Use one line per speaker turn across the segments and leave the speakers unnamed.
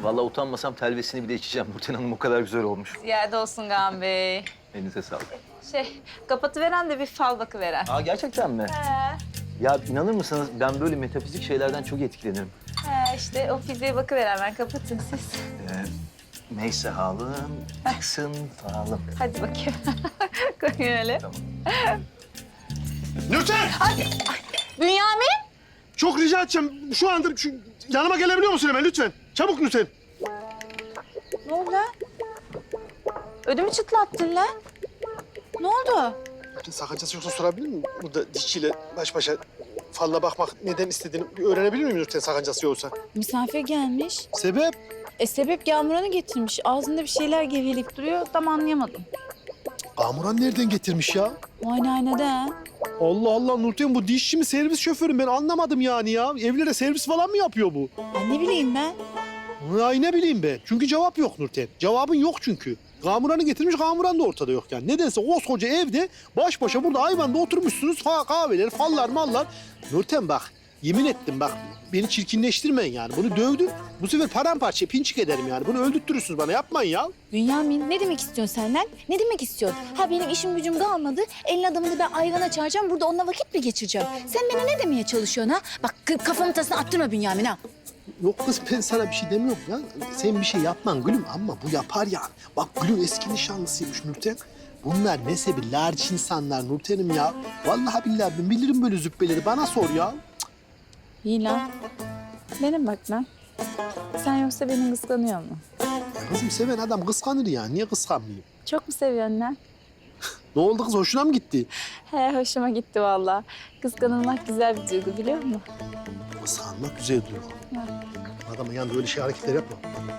Vallahi utanmasam telvesini bile içeceğim. Nurten Hanım o kadar güzel olmuş.
Ziyade olsun Kaan Bey.
Elinize sağlık.
Kapatıveren de bir fal bakıveren.
Aa gerçekten mi? Ya inanır mısınız ben böyle metafizik şeylerden çok etkilenirim.
İşte o fiziğe bakıveren, ben kapatın siz.
Neyse halım, aksın falım.
Hadi bakayım. Koyun öyle.
Tamam.
Nurten!
Bünyamin!
Çok rica edeceğim. Şu anda yanıma gelebiliyor musun hemen lütfen? Çabuk Nurten.
Ne oldu lan? Ödümü çıtlattın lan. Ne oldu?
Sakıncası yoksa sorabilir miyim? Burada dişçiyle baş başa falla bakmak neden istediğini bir öğrenebilir miyim Nurten sakıncası yoksa?
Misafir gelmiş.
Sebep?
Sebep Yağmuran'ı getirmiş. Ağzında bir şeyler geveleyip duruyor. Tam anlayamadım.
Amuran nereden getirmiş ya?
Muayenehanede ha.
Allah Allah Nurten bu dişçi mi servis şoförü mü? Ben anlamadım yani ya. Evlere servis falan mı yapıyor bu?
Ay ne bileyim ben.
Ay ne bileyim ben. Çünkü cevap yok Nurten. Cevabın yok çünkü. Kamuran'ı getirmiş, Kamuran da ortada yok yani. Nedense koskoca evde baş başa burada ayvanda oturmuşsunuz. Kahveler, fallar, mallar. Nurten bak, yemin ettim bak. Beni çirkinleştirmeyin yani. Bunu dövdün. Bu sefer paramparça, pinçik ederim yani. Bunu öldürtürürsünüz bana. Yapmayın ya.
Bünyamin ne demek istiyorsun senden? Ne demek istiyorsun? Ha benim işim gücüm kalmadı. Elin adamını ben ayvana çağıracağım. Burada onunla vakit mi geçireceğim? Sen bana ne demeye çalışıyorsun ha? Bak kafamın tasını attırma Bünyamin ha.
Yok kız ben sana bir şey demiyorum ya. Sen bir şey yapman gülüm ama bu yapar yani. Bak gülüm eski nişanlısıymış Nurten. Bunlar mezhebi larç insanlar Nurten'im ya. Vallahi billahi ben bilirim böyle züppeleri. Bana sor ya.
İyi lan. Benim bak lan. Sen yoksa beni kıskanıyor mu?
Kızım seven adam kıskanır ya. Niye kıskanmayayım?
Çok mu seviyorsun lan?
Ne oldu kız? Hoşuna mı gitti?
He hoşuma gitti vallahi. Kıskanılmak güzel bir duygu biliyor musun?
Kıskanmak güzel duygu. Adamın yanında öyle şey hareketler yapma.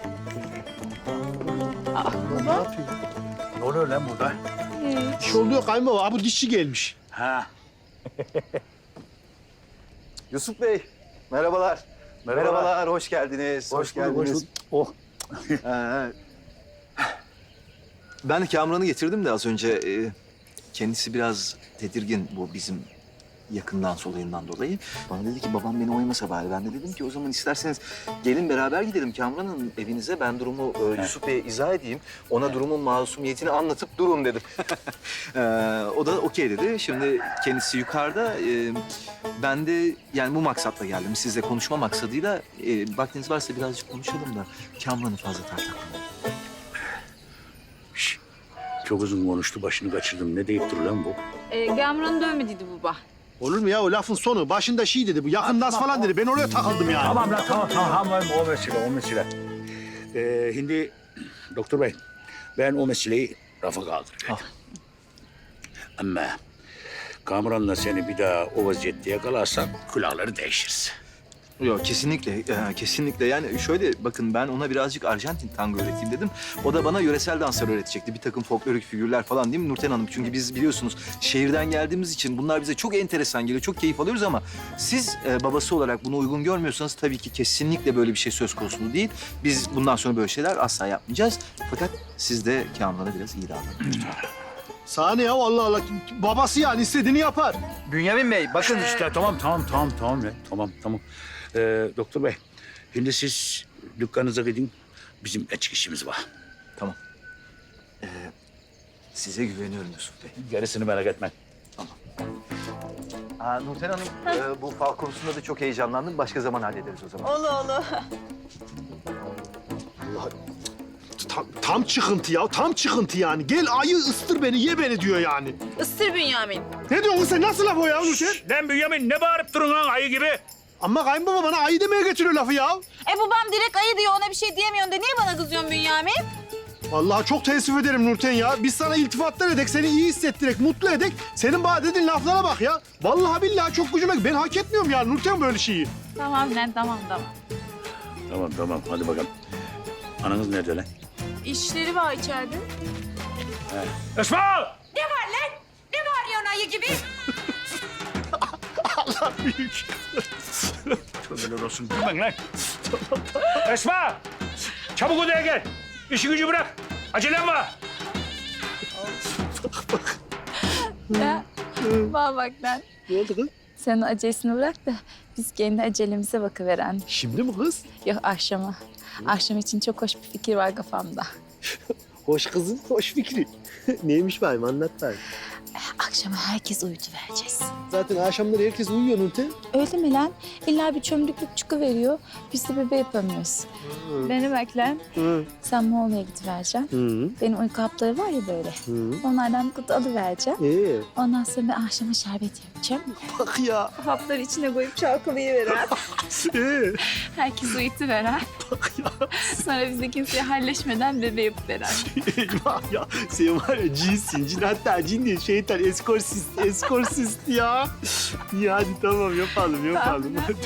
Ne yapıyor?
Ne oluyor lan burada?
Bir şey oluyor kayınbaba. Ha bu dişçi gelmiş.
Ha.
Yusuf Bey, merhabalar. Merhabalar, hoş geldiniz. Hoş geldiniz.
Oh.
Ben de Kamuran'ı getirdim de az önce. Kendisi biraz tedirgin bu bizim yakından olayından dolayı. Bana dedi ki babam beni oymasa bari. Ben de dedim ki o zaman isterseniz gelin beraber gidelim Kamuran'ın evinize. Ben durumu Yusuf Bey'e izah edeyim. Ona durumun masumiyetini anlatıp durun dedim. O da okey dedi. Şimdi kendisi yukarıda. Ben de yani bu maksatla geldim. Sizle konuşma maksadıyla. Vaktiniz varsa birazcık konuşalım da Kamuran'ı fazla tartışmayalım.
Çok uzun konuştu, başını kaçırdım. Ne deyip dur lan bu?
Gamuran'ı dövmediydi baba.
Olur mu ya o lafın sonu? Başında şey dedi bu. Yakındas falan dedi. Ben oraya takıldım yani.
Tamam lan, tamam. O mesele. Şimdi doktor bey, ben o meseleyi rafa kaldırıyorum. Ama Kamuran'la seni bir daha o vaziyette yakalarsak külahları değişiriz.
Yok kesinlikle, kesinlikle. Yani şöyle bakın ben ona birazcık Arjantin tango öğreteyim dedim. O da bana yöresel danslar öğretecekti. Bir takım folklorik figürler falan değil mi Nurten Hanım? Çünkü biz biliyorsunuz şehirden geldiğimiz için bunlar bize çok enteresan geliyor. Çok keyif alıyoruz ama siz babası olarak bunu uygun görmüyorsanız tabii ki kesinlikle böyle bir şey söz konusu değil. Biz bundan sonra böyle şeyler asla yapmayacağız. Fakat siz de Kamuran'a biraz iyi davranın.
Sahne ya Allah Allah. Babası yani istediğini yapar.
Bünyamin Bey, bakın işte tamam. Tamam. Doktor bey, şimdi siz dükkanınıza gidin. Bizim açık işimiz var.
Tamam. Size güveniyorum Yusuf Bey.
Gerisini merak etme.
Nurten Hanım, bu fal konusunda da çok heyecanlandım. Başka zaman hallederiz o zaman.
Olu.
Allah. Tam çıkıntı ya. Tam çıkıntı yani. Gel ayı ıstır beni, ye beni diyor yani.
Isır Bünyamin.
Ne diyorsun sen? Nasıl laf o ya Nurten?
Lan Bünyamin, ne bağırıp durun lan ayı gibi?
Ama kayınbaba bana ayı demeye getiriyor lafı ya.
Babam direkt ayı diyor, ona bir şey diyemiyorsun da niye bana kızıyorsun Bünyamin?
Vallahi çok teessüf ederim Nurten ya. Biz sana iltifatlar edek, seni iyi hissettirek, mutlu edek. Senin bana dediğin laflara bak ya. Vallahi billahi çok gücüme... Ben hak etmiyorum ya Nurten böyle şeyi.
Tamam lan, tamam.
Tamam, hadi bakalım. Ananız nerede lan?
İşleri var içeride.
Esma!
Ne var lan? Ne bağırıyorsun ayı gibi?
Allah büyük.
Tövbeler olsun, gülmen lan. Esma! Çabuk odaya gel. İşi gücü bırak. Acelem var.
Ya bana bak lan.
Ne oldu kız?
Sen o acelesini bırak da
biz kendi acelemize bakıveren.
Şimdi mi kız?
Yok akşama. Akşam için çok hoş bir fikir var kafamda.
Hoş kızım, hoş fikri. Neymiş bayım anlat bayım.
Akşama herkes uyutuvereceğiz.
Zaten akşamları herkes uyuyor Nurten.
Öyle mi lan? İlla bir çömlüklük çıkıveriyor. Biz de bebe yapamıyoruz. Beni bak lan.
Hı.
Sen Moğol'a gidivereceksin.
Hı.
Benim uyku hapları var ya böyle.
Hı.
Onlardan bir kutu alıvereceğim. Ondan sonra ben akşama şerbet yapacağım.
Bak ya.
Hapları içine koyup çalkalayıveren. Herkes uyutuveren.
Bak ya.
Sonra biz de kimseye halleşmeden bebe yapıveren.
Eyvah ya. Sen var ya cinsin. Cin hatta cin değil. Şeytan eskorsist ya. İyi hadi tamam yapalım.
Tamam.